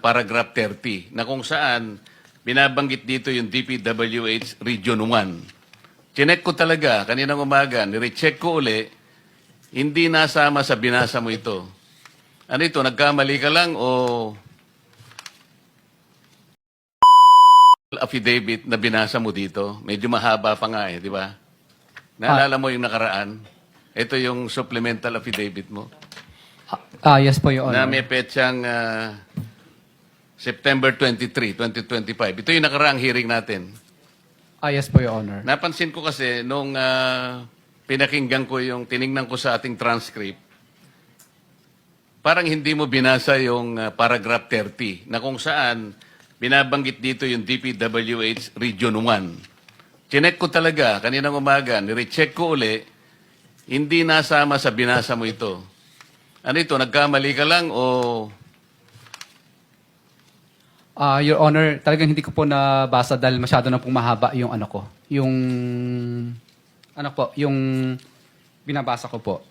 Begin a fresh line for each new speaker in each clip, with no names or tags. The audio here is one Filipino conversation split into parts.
paragraph 30 na kung saan binabanggit dito yung DPWH Region 1. Chinek ko talaga kaninang umaga, nirecheck ko uli, hindi nasama sa binasa mo ito. Ano ito, nagkamali ka lang o affidavit na binasa mo dito? Medyo mahaba pa nga di ba? Naalala mo yung nakaraan? Ito yung supplemental affidavit mo.
Yes po, Your
Na
Honor.
may petsang September 23, 2025. Ito yung nakaraang hearing natin.
Yes po, Your Honor.
Napansin ko kasi nung pinakinggan ko yung tiningnan ko sa ating transcript, parang hindi mo binasa yung paragraph 30 na kung saan binabanggit dito yung DPWH Region 1. Chinek ko talaga kaninang umaga, nirecheck ko uli, hindi nasama sa binasa mo ito. Ano ito, nagkamali ka lang o
Your Honor, talagang hindi ko po nabasa dahil masyado na pong mahaba yung ano ko. Yung binabasa ko po.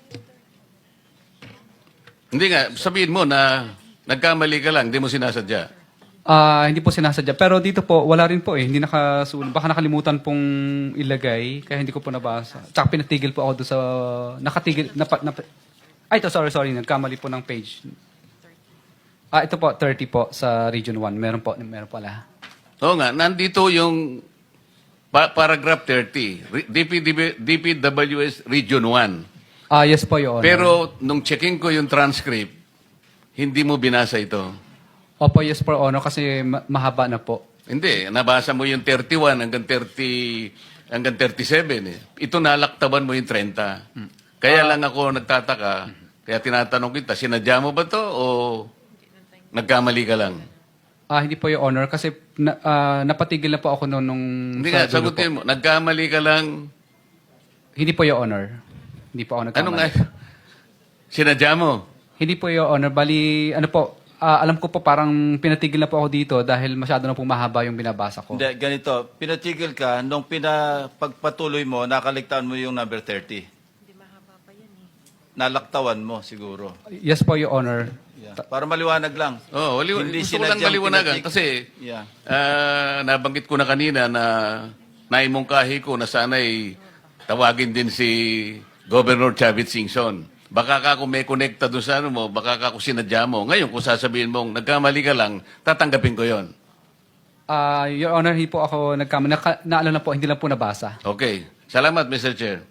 hindi nga, sabihin mo na nagkamali ka lang, hindi mo sinasadya.
Hindi po sinasadya. Pero dito po, wala rin po eh. Hindi nakasunod. Baka nakalimutan pong ilagay, kaya hindi ko po nabasa. Tsaka pinatigil po ako doon sa... Nakatigil... Ay, ito, sorry. Nagkamali po ng page. Ito po, 30 po sa Region 1. Meron pala.
Oo nga, nandito yung paragraph 30, DPWS Region 1.
Yes po, Your Honor.
Pero nung checking ko yung transcript, hindi mo binasa ito.
Opo, yes po, Your Honor, kasi mahaba na po.
Hindi, nabasa mo yung 31 hanggang 30 hanggang 37 eh. Ito nalaktaban mo yung 30. Kaya lang ako nagtataka, kaya tinatanong kita, sinadya mo ba to o nagkamali ka lang?
Hindi po, Your Honor, kasi napatigil na po ako noon nung...
Hindi nga,
sa dulo
sagutin mo, nagkamali ka lang.
Hindi po, Your Honor. Hindi po ako nagkamali.
Ano nga? Sinadya mo?
Hindi po, Your Honor. Bali, ano po, alam ko po parang pinatigil na po ako dito dahil masyado na po mahaba yung binabasa ko.
Hindi, ganito. Pinatigil ka, nung pagpatuloy mo, nakaligtaan mo yung number 30. Hindi mahaba pa yan eh. Nalaktawan mo, siguro.
Yes po, Your Honor.
Yeah. Para maliwanag lang.
Oo,
Hindi
gusto ko lang
sinadyang
maliwanagan
pinatig-
kasi
Yeah.
nabanggit ko na kanina na naimungkahi ko na sana'y tawagin din si Governor Chavit Singson. Baka ka kung may connecta doon sa ano mo, baka ka kung sinadya mo. Ngayon, kung sasabihin mong nagkamali ka lang, tatanggapin ko yon.
Your Honor, hindi po ako nagkamali. Naalala po, hindi lang po nabasa.
Okay. Salamat, Mr. Chair.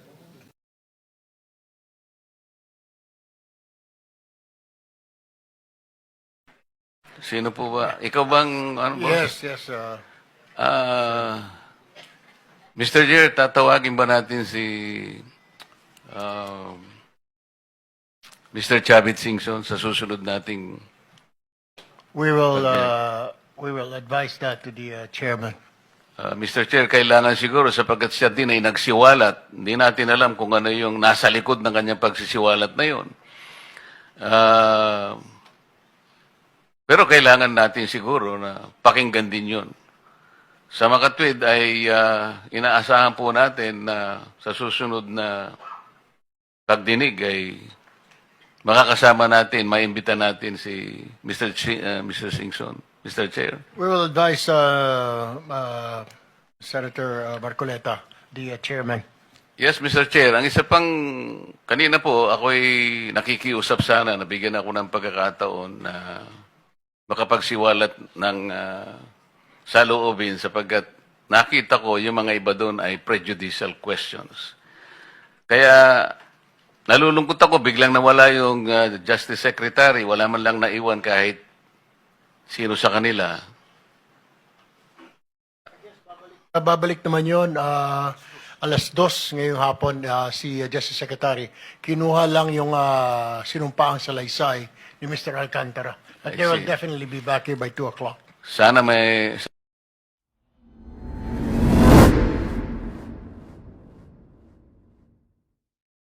Sino po ba? Ikaw bang, ano ba?
Yes.
Mr. Chair, tatawagin ba natin si Mr. Chavit Singson sa susunod nating...
We will advise that to the chairman.
Mr. Chair, kailangan siguro sapagkat siya din ay nagsiwalat. Hindi natin alam kung ano yung nasa likod ng kanyang pagsisiwalat na yun. Pero kailangan natin siguro na pakinggan din yun. Sa makatwid ay inaasahan po natin na sa susunod na pagdinig ay makakasama natin, maimbita natin si Mr. Singson. Mr. Chair.
We will advise Senator Marcoleta, the chairman.
Yes, Mr. Chair. Ang isa pang, kanina po, ako'y nakikiusap sana, nabigyan ako ng pagkakataon na makapagsiwalat ng saloobin sapagkat nakita ko yung mga iba doon ay prejudicial questions. Kaya nalulungkot ako, biglang nawala yung Justice Secretary, wala man lang naiwan kahit sino sa kanila.
Babalik naman yun, alas 2 ngayong hapon, si Justice Secretary, kinuha lang yung sinumpaang salaysay ni Mr. Alcantara. But
I
they will
see.
definitely be back here by 2 o'clock.
Sana may